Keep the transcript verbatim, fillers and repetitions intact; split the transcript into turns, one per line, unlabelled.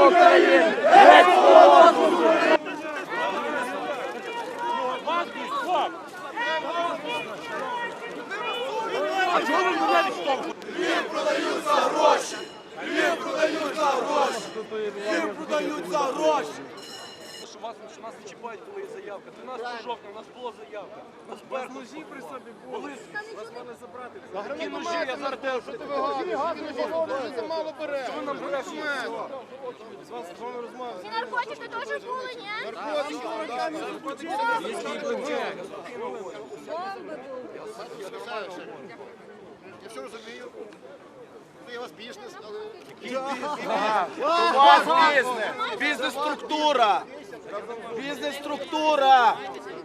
України! Геть свободу! А чого ви мене відштовхуєте?
Львів продають за гроші! Львів продають за гроші! Львів продають за гроші!
Що вас, що нас не чіпають, коли є заявка. тринадцятого жовтня у нас була заявка. У нас ножі при собі були. Вас мали забрати. Які ножі, я зараз те, що ти вигадуєш?
Мало бере!
Що ви нам берете?
З вас з вами розмовляю.
Ці наркотики теж були, ні?
Я все розумію. Це у вас бізнес, але...
У вас бізнес! Бізнес-структура! Бізнес-структура!